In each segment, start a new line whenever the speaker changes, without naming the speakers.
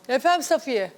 Efendim Safiye.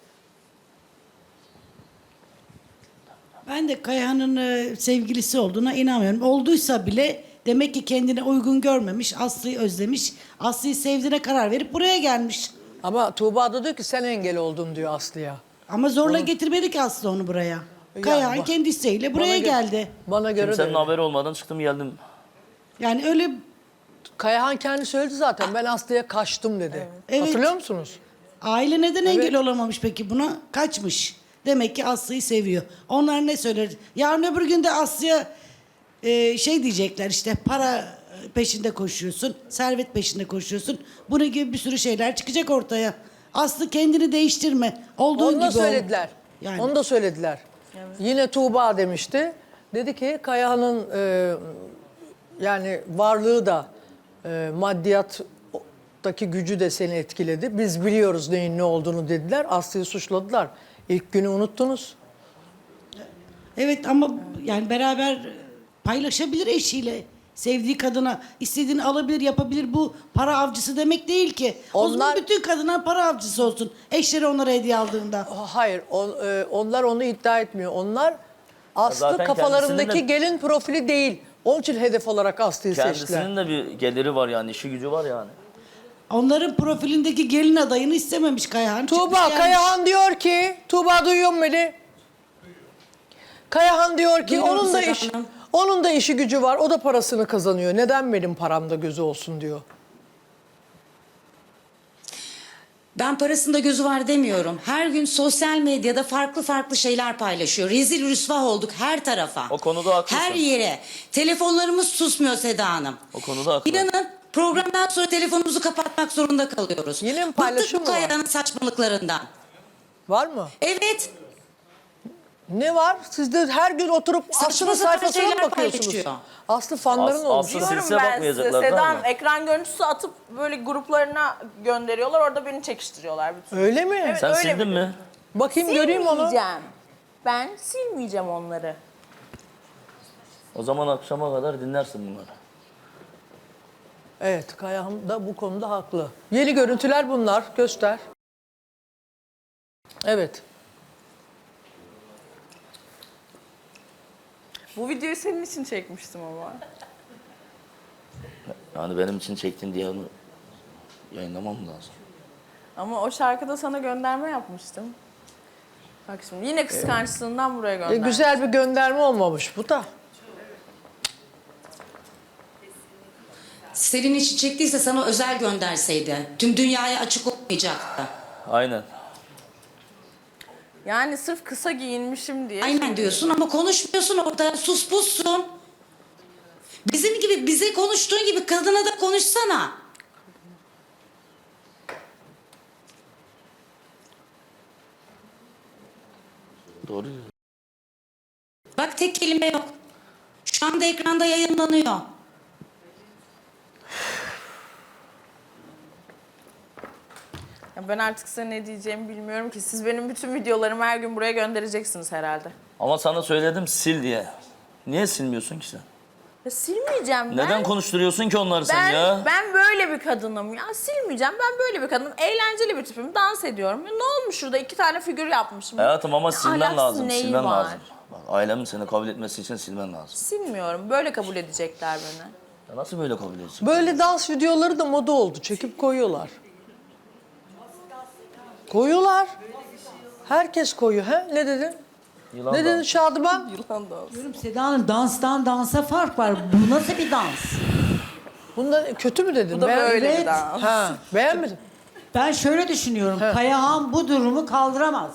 Ben de Kayahan'ın sevgilisi olduğuna inanmıyorum. Olduysa bile demek ki kendine uygun görmemiş, Aslı'yı özlemiş. Aslı'yı sevdiğine karar verip buraya gelmiş.
Ama Tuğba da diyor ki sen engel oldun diyor Aslı'ya.
Ama zorla getirmedi ki Aslı onu buraya.
Yani
Kayahan kendi isteğiyle buraya geldi.
Bana göre de
Kimsenin
öyle.
haberi olmadan çıktım geldim.
Yani öyle
Kayahan kendi söyledi zaten. Ben Aslı'ya kaçtım dedi.
Evet.
Hatırlıyor musunuz?
aile neden engel olamamış peki buna? Kaçmış. Demek ki Aslı'yı seviyor. Onlar ne söyler? Yarın öbür gün de Aslı'ya şey diyecekler işte para peşinde koşuyorsun, servet peşinde koşuyorsun. Bunun gibi bir sürü şeyler çıkacak ortaya. Aslı kendini değiştirme. Olduğun
Onu
gibi
da
ol.
söylediler.
Yani.
Onu da söylediler. Yine Tuğba demişti. Dedi ki Kayahan'ın yani varlığı da maddiyattaki gücü de seni etkiledi. Biz biliyoruz neyin ne olduğunu dediler. Aslı'yı suçladılar. İlk günü unuttunuz.
Evet ama yani beraber paylaşabilir eşiyle. Sevdiği kadına istediğini alabilir, yapabilir. Bu para avcısı demek değil ki. O zaman
Onlar-
bütün kadınlar para avcısı olsun. Eşleri onlara hediye aldığında.
Hayır, onlar onu iddia etmiyor. Onlar Aslı
Zaten
kafalarındaki
kendisinin de-
gelin profili değil. Onun için hedef olarak Aslı'yı seçtiler.
Kendisinin de bir geliri var yani, işi gücü var yani.
Onların profilindeki gelin adayını istememiş Kayahan. Çıkmış
Tuğba,
gelmiş.
Kayahan diyor ki, Tuğba duyuyor mu beni? Kayahan diyor ki
Duyuyorum
onun da
Seda
iş,
Hanım.
onun da işi gücü var. O da parasını kazanıyor. Neden benim paramda gözü olsun diyor.
Ben parasında gözü var demiyorum. Her gün sosyal medyada farklı farklı şeyler paylaşıyor. Rezil rüsva olduk her tarafa.
O konuda haklısın.
Her yere. Telefonlarımız susmuyor Seda Hanım.
O konuda haklı.
İnanın programdan sonra telefonumuzu kapatmak zorunda kalıyoruz.
Yine mi
Bıktık
paylaşım
bu
mı var?
Kaya'nın saçmalıklarından.
Var mı?
Evet.
Ne var? Siz de her gün oturup
Saçma
Aslı'nın
sapan
sayfasına mı
şeyler
bakıyorsunuz?
paylaşıyor.
Aslı fanların olmuş.
Aslı
Diyorum
silse
ben size.
bakmayacaklardı
Seda
ama.
Hanım ekran görüntüsü atıp böyle gruplarına gönderiyorlar. Orada beni çekiştiriyorlar bütün.
Öyle mi?
Evet,
Sen
öyle
sildin
biliyorum.
mi?
Bakayım göreyim onu.
Silmeyeceğim. Ben silmeyeceğim onları.
O zaman akşama kadar dinlersin bunları.
Evet, Kayahan da bu konuda haklı. Yeni görüntüler bunlar. Göster. Evet.
Bu videoyu senin için çekmiştim ama.
Yani benim için çektin diye onu yayınlamam lazım.
Ama o şarkıda sana gönderme yapmıştım. Bak şimdi yine kıskançlığından buraya gönderdim.
Güzel bir gönderme olmamış bu da.
Senin için çektiyse sana özel gönderseydi. Tüm dünyaya açık olmayacaktı.
Aynen.
Yani sırf kısa giyinmişim diye.
Aynen diyorsun ama konuşmuyorsun orada. Sus pussun. Bizim gibi bize konuştuğun gibi kadına da konuşsana.
Doğru.
Bak tek kelime yok. Şu anda ekranda yayınlanıyor.
Ya ben artık size ne diyeceğimi bilmiyorum ki. Siz benim bütün videolarımı her gün buraya göndereceksiniz herhalde.
Ama sana söyledim sil diye. Niye silmiyorsun ki sen?
Ya silmeyeceğim ben.
Neden konuşturuyorsun ki onları sen
Ben,
ya?
ben böyle bir kadınım ya. Silmeyeceğim. Ben böyle bir kadınım. Eğlenceli bir tipim. Dans ediyorum. Ya ne olmuş şurada? 2 tane figür yapmışım.
Hayatım ama
Ya
silmen
ahlaksız
lazım.
neyi
Silmen
var?
lazım. Bak, ailemin seni kabul etmesi için silmen lazım.
Silmiyorum. Böyle kabul edecekler beni.
Ya nasıl böyle kabul edeceksin?
Böyle dans videoları da moda oldu. Çekip koyuyorlar. Koyuyorlar. Herkes koyuyor. He? Ne dedin?
Yılan
Ne
da-
dedin Şadıman?
Yılan da olsun.
Diyorum Seda Hanım danstan dansa fark var. Bu nasıl bir dans?
Bunda kötü mü dedin?
Bu da böyle
Evet.
bir dans.
Ha, beğenmedin.
Ben şöyle düşünüyorum. Kayahan bu durumu kaldıramaz.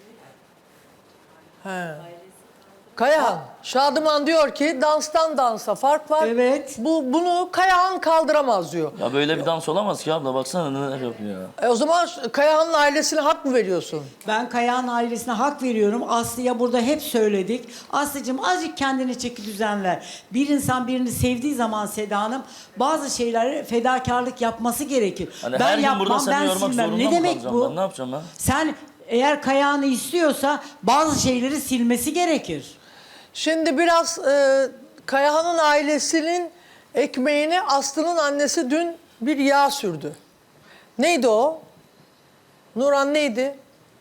He. Kayahan, Şadıman diyor ki danstan dansa fark var.
Evet.
Bunu Kayahan kaldıramaz diyor.
Ya böyle bir dans olamaz ki abla, baksana neler yapıyor ya.
O zaman Kayahan'ın ailesine hak mı veriyorsun?
Ben Kayahan ailesine hak veriyorum. Aslı'ya burada hep söyledik. Aslı'cığım azıcık kendine çeki düzen ver. Bir insan birini sevdiği zaman Seda Hanım bazı şeylere fedakarlık yapması gerekir.
Hani
ben
her gün
yapmam,
burada seni
ben
yormak
silmem.
zorunda
Ne
mı
demek
kalacağım
bu?
ben? Ne yapacağım ben?
Sen eğer Kayahan'ı istiyorsa bazı şeyleri silmesi gerekir.
Şimdi biraz Kayahan'ın ailesinin ekmeğine Aslı'nın annesi dün bir yağ sürdü. Neydi o? Nurhan neydi?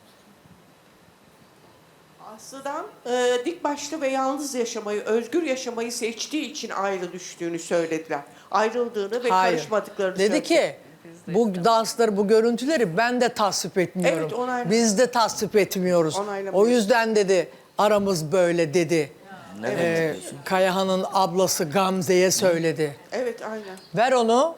Aslı'dan dik başlı ve yalnız yaşamayı, özgür yaşamayı seçtiği için ayrı düştüğünü söylediler. Ayrıldığını ve karışmadıklarını
Dedi
söyledi.
ki bu dansları, bu görüntüleri ben de tasvip etmiyorum.
Evet, onayladım.
Biz de tasvip etmiyoruz.
Onaylamıyoruz.
O yüzden dedi aramız böyle dedi.
Ne demek istiyorsun?
Kayahan'ın ablası Gamze'ye söyledi.
Evet, aynen.
Ver onu.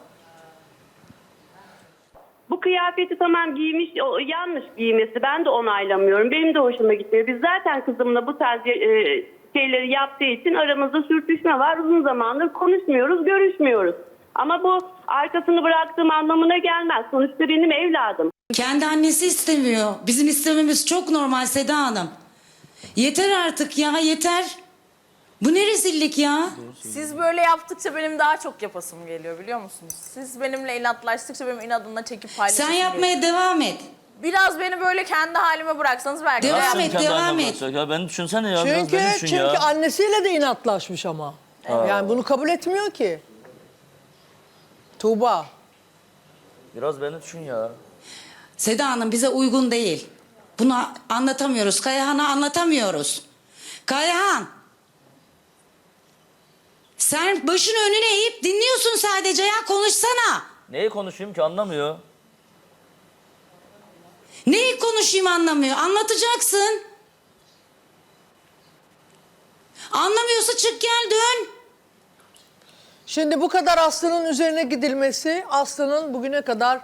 Bu kıyafeti tamam giymiş, o yanlış giymesi. Ben de onaylamıyorum. Benim de hoşuma gitmiyor. Biz zaten kızımla bu tarz şeyleri yaptığı için aramızda sürtüşme var. Uzun zamandır konuşmuyoruz, görüşmüyoruz. Ama bu arkasını bıraktığım anlamına gelmez. Sonuçta benim evladım.
Kendi annesi istemiyor. Bizim istememiz çok normal Seda Hanım. Yeter artık ya, yeter. Bu ne rezillik ya?
Siz böyle yaptıkça benim daha çok yapasım geliyor biliyor musunuz? Siz benimle inatlaştıkça benim inadımla çekip paylaşasım
Sen
geliyor.
yapmaya devam et.
Biraz beni böyle kendi halime bıraksanız belki.
Devam
Nasıl
et,
kendi
devam
haline
et.
bırakacak Ya beni düşünsene ya. biraz
Çünkü
beni düşün
çünkü
ya.
annesiyle de inatlaşmış ama. Yani bunu kabul etmiyor ki. Tuğba.
Biraz beni düşün ya.
Seda Hanım bize uygun değil. Bunu anlatamıyoruz. Kayahan'a anlatamıyoruz. Kayahan. Sen başını önüne eğip dinliyorsun sadece ya, konuşsana.
Neyi konuşayım ki anlamıyor.
Neyi konuşayım anlamıyor. Anlatacaksın. Anlamıyorsa çık gel dön.
Şimdi bu kadar Aslı'nın üzerine gidilmesi, Aslı'nın bugüne kadar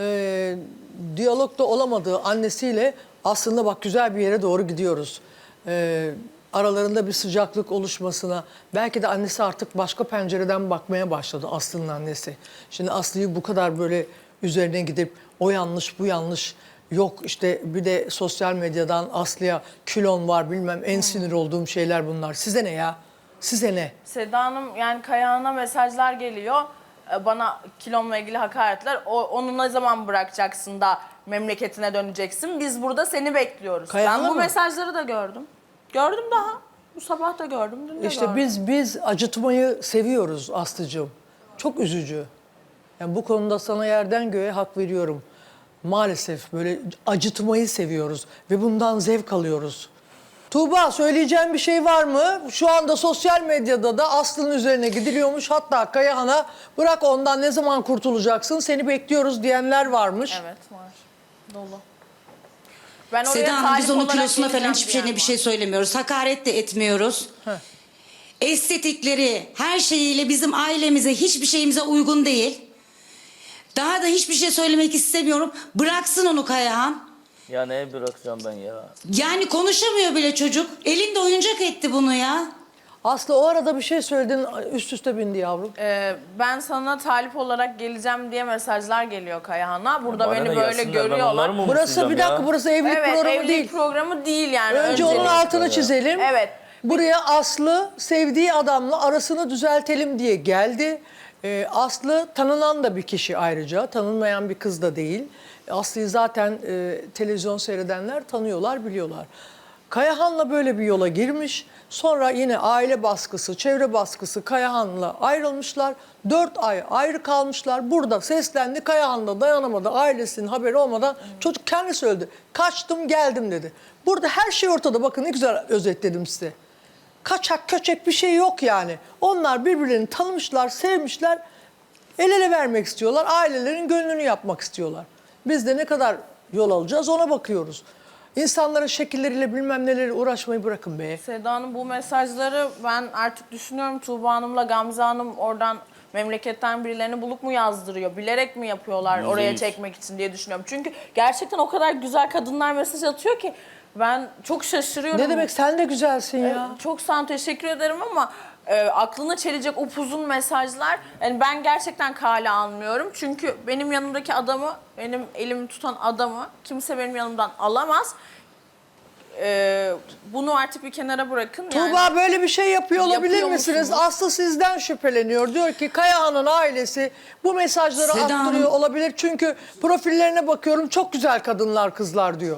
diyalogda olamadığı annesiyle aslında bak güzel bir yere doğru gidiyoruz. Aralarında bir sıcaklık oluşmasına, belki de annesi artık başka pencereden bakmaya başladı, Aslı'nın annesi. Şimdi Aslı'yı bu kadar böyle üzerine gidip o yanlış bu yanlış, yok işte bir de sosyal medyadan Aslı'ya kilon var bilmem, en sinir olduğum şeyler bunlar. Size ne ya? Size ne?
Seda Hanım yani Kayahan'a mesajlar geliyor. Bana kilomla ilgili hakaretler. Onu ne zaman bırakacaksın da memleketine döneceksin? Biz burada seni bekliyoruz.
Kayahan'a
Ben bu
mı?
mesajları da gördüm. Gördüm daha. Bu sabah da gördüm, dün de
İşte
gördüm.
biz acıtmayı seviyoruz Aslı'cığım. Çok üzücü. Yani bu konuda sana yerden göğe hak veriyorum. Maalesef böyle acıtmayı seviyoruz ve bundan zevk alıyoruz. Tuğba söyleyeceğin bir şey var mı? Şu anda sosyal medyada da Aslı'nın üzerine gidiliyormuş. Hatta Kayahan'a bırak ondan ne zaman kurtulacaksın seni bekliyoruz diyenler varmış.
Evet var. Dolu. Ben oraya
Seda Hanım biz
talip
onun
olarak
kilosuna falan
geleceğim
hiçbir şeyine
diyen
bir şey
var.
söylemiyoruz. Hakaret de etmiyoruz. Estetikleri her şeyiyle bizim ailemize hiçbir şeyimize uygun değil. Daha da hiçbir şey söylemek istemiyorum. Bıraksın onu Kayahan.
Ya neye bırakacağım ben ya?
Yani konuşamıyor bile çocuk. Elinde oyuncak etti bunu ya.
Aslı o arada bir şey söyledin üst üste bindi yavrum.
Ben sana talip olarak geleceğim diye mesajlar geliyor Kayahan'a. Burada
Bana
beni
ne
böyle
gelsinler, ben onları
görüyorlar.
mı
Burası
umutlayacağım
bir dakika
ya?
burası evlilik
Evet,
programı
evlilik
değil.
programı değil yani.
Önce onun
önceliği.
altını çizelim.
Evet.
Buraya Aslı sevdiği adamla arasını düzeltelim diye geldi. Aslı tanınan da bir kişi ayrıca. Tanınmayan bir kız da değil. Aslı'yı zaten televizyon seyredenler tanıyorlar, biliyorlar. Kayahan'la böyle bir yola girmiş. Sonra yine aile baskısı, çevre baskısı Kayahan'la ayrılmışlar. 4 ay ayrı kalmışlar. Burada seslendi. Kayahan da dayanamadı. Ailesinin haberi olmadan çocuk kendisi öldü. Kaçtım geldim dedi. Burada her şey ortada. Bakın ne güzel özetledim size. Kaçak köçek bir şey yok yani. Onlar birbirlerini tanımışlar, sevmişler. El ele vermek istiyorlar. Ailelerin gönlünü yapmak istiyorlar. Biz de ne kadar yol alacağız ona bakıyoruz. İnsanların şekilleriyle bilmem neleri uğraşmayı bırakın be.
Seda Hanım bu mesajları ben artık düşünüyorum. Tuğba Hanım'la Gamze Hanım oradan memleketten birilerini bulup mu yazdırıyor? Bilerek mi yapıyorlar oraya
%100.
çekmek için diye düşünüyorum. Çünkü gerçekten o kadar güzel kadınlar mesaj atıyor ki ben çok şaşırıyorum.
Ne demek sen de güzelsin ya.
Çok sağ olun, teşekkür ederim ama aklına çelecek upuzun mesajlar yani ben gerçekten kale almıyorum. Çünkü benim yanımdaki adamı, benim elimi tutan adamı kimse benim yanımdan alamaz. Bunu artık bir kenara bırakın.
Tuğba böyle bir şey yapıyor olabilir
Yapıyor
misiniz?
musunuz?
Aslı sizden şüpheleniyor. Diyor ki Kayahan'ın ailesi bu mesajları
Seda
attırıyor
Hanım.
olabilir. Çünkü profillerine bakıyorum çok güzel kadınlar, kızlar diyor.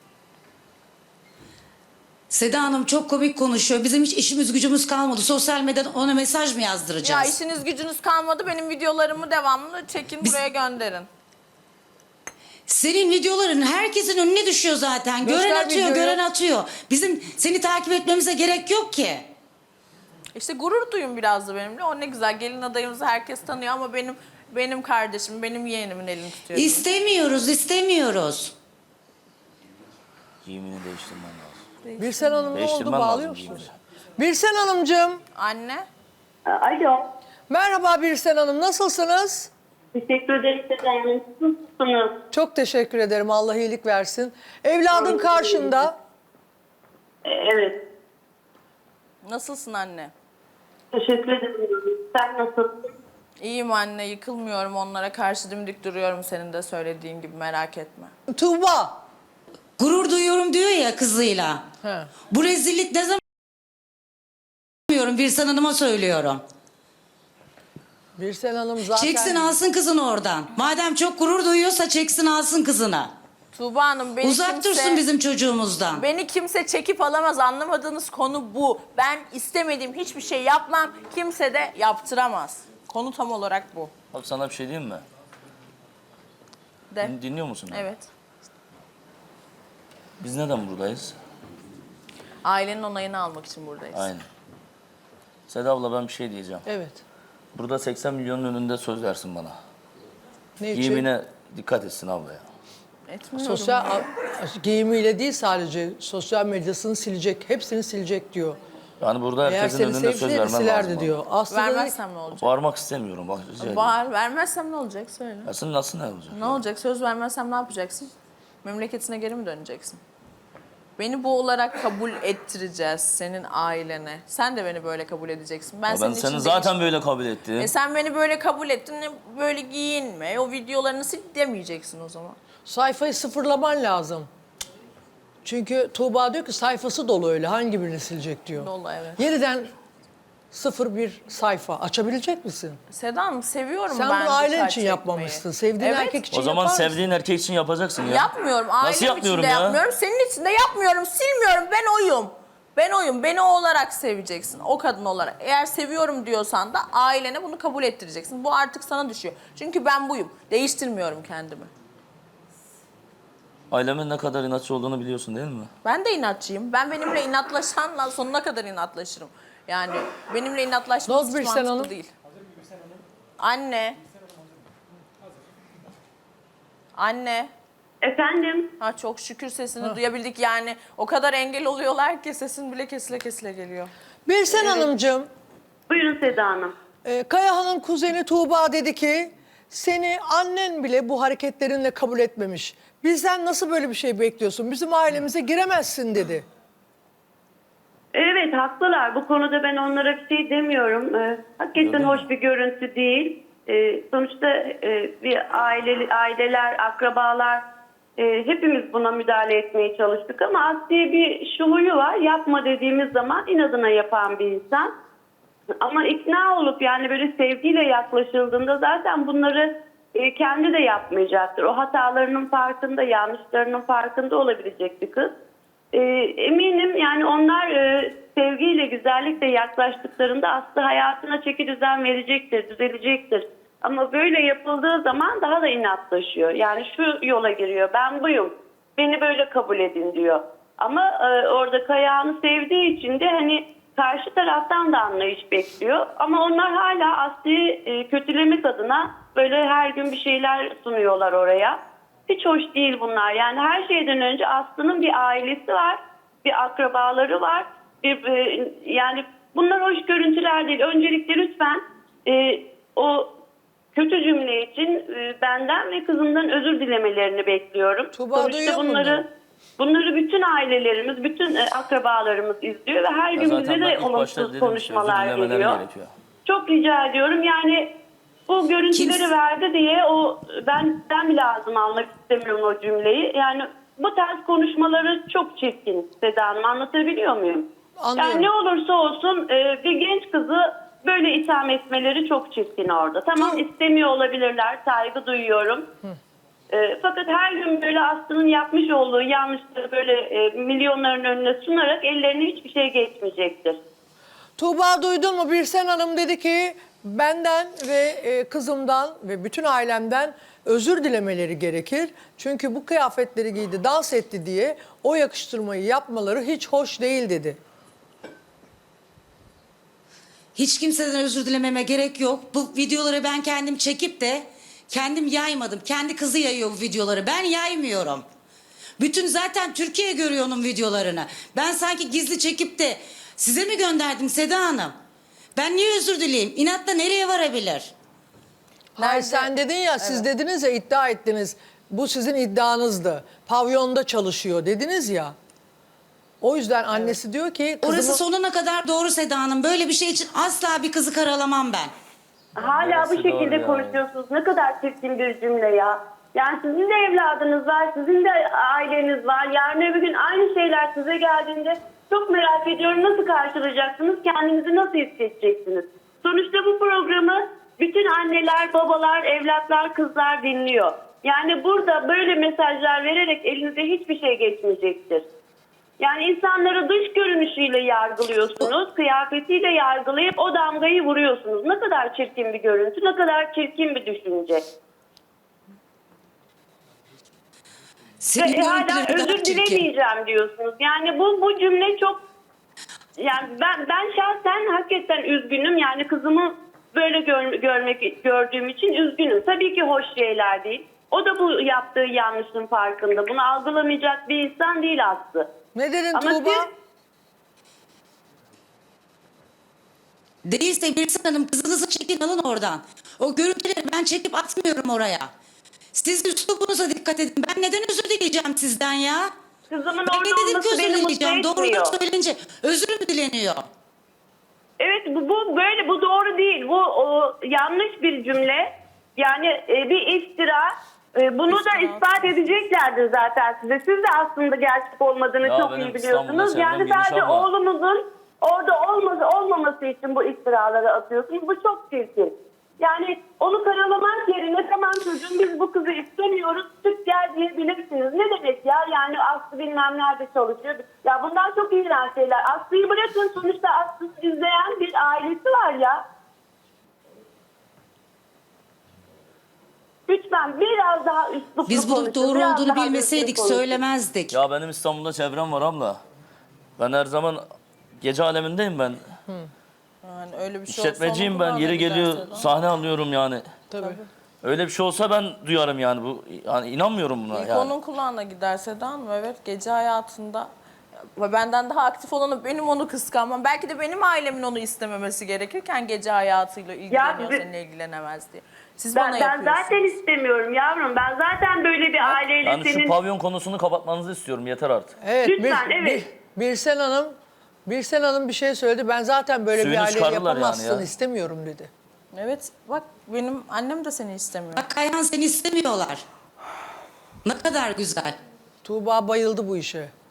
Seda Hanım çok komik konuşuyor. Bizim hiç işimiz gücümüz kalmadı. Sosyal medyadan ona mesaj mı
Ya
yazdıracağız?
işiniz gücünüz kalmadı. Benim videolarımı devamlı çekin buraya gönderin.
Senin videoların herkesin önüne düşüyor zaten.
Göster
Gören atıyor,
videoyu.
gören atıyor. Bizim seni takip etmemize gerek yok ki.
İşte gurur duyun biraz da benimle. O ne güzel. Gelin adayımızı herkes tanıyor ama benim kardeşim, benim yeğenimin elini tutuyor.
İstemiyoruz, istemiyoruz.
Giyimini değiştirmen lazım.
Birsen Hanım ne oldu?
Değiştirmen
Bağlıyor
lazım
musunuz?
giyimini.
Birsen Hanımcığım.
Anne.
Alo.
Merhaba Birsen Hanım. Nasılsınız?
Teşekkür ederim Seda Hanım. Nasılsınız?
Çok teşekkür ederim. Allah iyilik versin. Evladın karşında.
Evet.
Nasılsın anne?
Teşekkür ederim. Sen nasılsın?
İyiyim anne. Yıkılmıyorum onlara karşı dimdik duruyorum senin de söylediğin gibi merak etme.
Tuğba.
Gurur duyuyorum diyor ya kızıyla.
He.
Bu rezillik ne zaman diyorum Birsen Hanım'a söylüyorum.
Birsen Hanım zaten...
Çeksin alsın kızını oradan. Madem çok gurur duyuyorsa çeksin alsın kızını.
Tuğba Hanım beni
Uzak dursun bizim çocuğumuzdan.
Beni kimse çekip alamaz. Anlamadığınız konu bu. Ben istemediğim hiçbir şey yapmam. Kimse de yaptıramaz. Konu tam olarak bu.
Bak sana bir şey diyeyim mi?
De.
Dinliyor musun? beni?
Evet.
Biz neden buradayız?
Ailenin onayını almak için buradayız.
Aynen. Seda abla ben bir şey diyeceğim.
Evet.
Burada 80 milyonun önünde söz versin bana.
Ne için?
Giyimine dikkat etsin abla ya.
Etmiyorum.
Giyimiyle değil sadece sosyal medyasını silecek. Hepsini silecek diyor.
Yani burada
Eğer
herkesin
seni
önünde söz
sevseydi
vermen
silerdi
lazım.
diyor. Aslında
Vermezsem ne olacak?
Bağırmak istemiyorum bak rica ederim.
Bağır. Vermezsem ne olacak? Söyle.
Ya sen nasıl ne olacak?
Ne olacak? Söz vermezsem ne yapacaksın? Memleketine geri mi döneceksin? Beni bu olarak kabul ettireceğiz senin ailene. Sen de beni böyle kabul edeceksin. Ben
Ya
senin
ben
için
seni zaten böyle kabul ettim.
sen beni böyle kabul ettin. Böyle giyinme. O videolarını sil demeyeceksin o zaman.
sayfayı sıfırlaman lazım. Çünkü Tuğba diyor ki sayfası dolu öyle. Hangi birini silecek diyor.
Dolu, evet.
Yeniden sıfır bir sayfa açabilecek misin?
Seda Hanım seviyorum
Sen
ben
bunu ailen
dikkat
için
çekmeyi.
yapmamışsın. Sevdiğin
Evet.
erkek için
O zaman
yapar mısın?
sevdiğin erkek için yapacaksın ya.
Yapmıyorum. Ailem
Nasıl
için
yapmıyorum
de
ya?
yapmıyorum. Senin için de yapmıyorum. Silmiyorum. Ben oyum. Ben oyum. Beni o olarak seveceksin. O kadın olarak. Eğer seviyorum diyorsan da ailene bunu kabul ettireceksin. Bu artık sana düşüyor. Çünkü ben buyum. Değiştirmiyorum kendimi.
Ailemin ne kadar inatçı olduğunu biliyorsun değil mi?
Ben de inatçıyım. Ben benimle inatlaşanla sonuna kadar inatlaşırım. Yani benimle inatlaşması
Noz
hiç
Birsen
mantıklı
Hanım.
değil. Anne. Anne.
Efendim?
Ha çok şükür sesini duyabildik yani. O kadar engel oluyorlar ki sesin bile kesile kesile geliyor.
Birsen Hanımcığım,
Buyurun Seda Hanım.
Kayahan'ın kuzeni Tuğba dedi ki seni annen bile bu hareketlerinle kabul etmemiş. Bizden nasıl böyle bir şey bekliyorsun? Bizim ailemize giremezsin dedi.
Evet haklılar. Bu konuda ben onlara bir şey demiyorum. Hakikaten hoş bir görüntü değil. Sonuçta bir aileler, akrabalar hepimiz buna müdahale etmeye çalıştık ama Aslı'ya bir şu huyu var. Yapma dediğimiz zaman inadına yapan bir insan. Ama ikna olup yani böyle sevgiyle yaklaşıldığında zaten bunları kendi de yapmayacaktır. O hatalarının farkında, yanlışlarının farkında olabilecek bir kız. Eminim yani onlar sevgiyle, güzellikle yaklaştıklarında Aslı hayatına çeki düzen verecektir, düzelecektir. Ama böyle yapıldığı zaman daha da inatlaşıyor. Yani şu yola giriyor, ben buyum, beni böyle kabul edin diyor. Ama orada Kayağan'ı sevdiği için de hani karşı taraftan da anlayış bekliyor. Ama onlar hala Aslı'yı kötülemek adına böyle her gün bir şeyler sunuyorlar oraya. Hiç hoş değil bunlar. Yani her şeyden önce Aslı'nın bir ailesi var, bir akrabaları var. Yani bunlar hoş görüntüler değil. Öncelikle lütfen o kötü cümle için benden ve kızımdan özür dilemelerini bekliyorum.
Tuğba duyuyor mu
Bunları bütün ailelerimiz, bütün akrabalarımız izliyor ve her gün bize de olumsuz konuşmalar geliyor.
Gerekiyor.
Çok rica ediyorum. Yani bu görüntüleri verdi diye ben bile ağzıma almak istemiyorum o cümleyi. Yani bu tarz konuşmaları çok çirkin Seda Hanım. Anlatabiliyor muyum?
Anlıyorum.
Yani ne olursa olsun bir genç kızı böyle itham etmeleri çok çirkin orada. Tamam istemiyor olabilirler. Saygı duyuyorum. Fakat her gün böyle Aslı'nın yapmış olduğu yanlışları böyle milyonların önüne sunarak ellerine hiçbir şey geçmeyecektir.
Tuğba duydun mu? Birsen Hanım dedi ki benden ve kızımdan ve bütün ailemden özür dilemeleri gerekir. Çünkü bu kıyafetleri giydi, dans etti diye o yakıştırmayı yapmaları hiç hoş değil dedi.
Hiç kimseden özür dilememe gerek yok. Bu videoları ben kendim çekip de kendim yaymadım. Kendi kızı yayıyor bu videoları. Ben yaymıyorum. Bütün zaten Türkiye görüyor onun videolarını. Ben sanki gizli çekip de size mi gönderdim Seda Hanım? Ben niye özür dileyeyim? İnatla nereye varabilir?
Hayır,
Nerede?
sen dedin ya, siz dediniz ya, iddia ettiniz. Bu sizin iddianızdı. Pavyonda çalışıyor dediniz ya. O yüzden annesi diyor ki
Orası
kızımı...
sonuna kadar doğru Seda Hanım. Böyle bir şey için asla bir kızı karalamam ben.
Hala bu
Neresi doğru
şekilde
yani?
konuşuyorsunuz. Ne kadar çirkin bir cümle ya. Yani sizin de evladınız var, sizin de aileniz var. Yarın öbür gün aynı şeyler size geldiğinde çok merak ediyorum, nasıl karşılayacaksınız, kendinizi nasıl hissedeceksiniz? Sonuçta bu programı bütün anneler, babalar, evlatlar, kızlar dinliyor. Yani burada böyle mesajlar vererek elinize hiçbir şey geçmeyecektir. Yani insanları dış görünüşüyle yargılıyorsunuz, kıyafetiyle yargılayıp o damgayı vuruyorsunuz. Ne kadar çirkin bir görüntü, ne kadar çirkin bir düşünce.
Senin
Ve hala
görüntülerin daha
özür
çirkin.
dilemeyeceğim diyorsunuz. Yani bu cümle çok... Yani ben şahsen hakikaten üzgünüm. Yani kızımı böyle gördüğüm için üzgünüm. Tabii ki hoş şeyler değil. O da bu yaptığı yanlışın farkında. Bunu algılamayacak bir insan değil Aslı.
Ne dedin
Ama
Tuğba?
Değilse Birsen Hanım kızınızı çekin alın oradan. O görüntüleri ben çekip atmıyorum oraya. Siz üslubunuza dikkat edin. Ben neden özür dileyeceğim sizden ya?
Kızımın
Ben
orada
ne dedim ki
olması
özür
beni mutlu
dileyeceğim? Doğru
etmiyor.
söylenince özür mü dileniyor?
Evet, bu böyle, bu doğru değil. Bu yanlış bir cümle. Yani bir iftira. Bunu da ispat edeceklerdir zaten size. Siz de aslında gerçek olmadığını
Ya
çok
benim
iyi biliyorsunuz.
İstanbul'da
Yani
çevrem
sadece
geniş abla.
oğlumuzun orada olmaması için bu iftiraları atıyorsunuz. Bu çok çirkin. Yani onu karalamak yerine tamam çocuğum biz bu kızı istemiyoruz, çık gel diyebilirsiniz. Ne demek ya? Yani Aslı bilmem nerede çalışıyor. Ya bundan çok iğrenç şeyler. Aslı'yı bırakın, sonuçta Aslı'yı izleyen bir ailesi var ya. Lütfen biraz daha üsluplu
Biz bunun
konuşun,
doğru
biraz
olduğunu
daha
bilmeseydik
düzgün konuşun.
söylemezdik.
Ya benim İstanbul'da çevrem var abla. Ben her zaman gece alemindeyim ben.
Yani öyle bir şey
İşletmeciyim
olsa
ben.
onu
Yeri
kulağına
geliyor
giderse de.
sahne alıyorum yani.
Tabii.
Öyle bir şey olsa ben duyarım yani bu. Yani inanmıyorum buna
İlk
yani.
onun kulağına gider Seda Hanım, evet, gece hayatında ve benden daha aktif olanı benim onu kıskanmam. Belki de benim ailemin onu istememesi gerekirken gece hayatıyla ilgileniyor,
biz-
seninle ilgilenemez diye. Siz bana
Ben
yapıyorsunuz.
zaten istemiyorum yavrum. Ben zaten böyle bir aileyle
Yani şu
senin...
pavyon konusunu kapatmanızı istiyorum yeter artık.
Evet,
Lütfen, evet.
Birsen Hanım bir şey söyledi. Ben zaten böyle
Suyunu
bir aileyi
çıkarırlar yani
yapamazsın,
ya.
istemiyorum dedi.
Evet, bak benim annem de seni istemiyor.
Bak Kayhan seni istemiyorlar. Ne kadar güzel.
Tuğba bayıldı bu işe.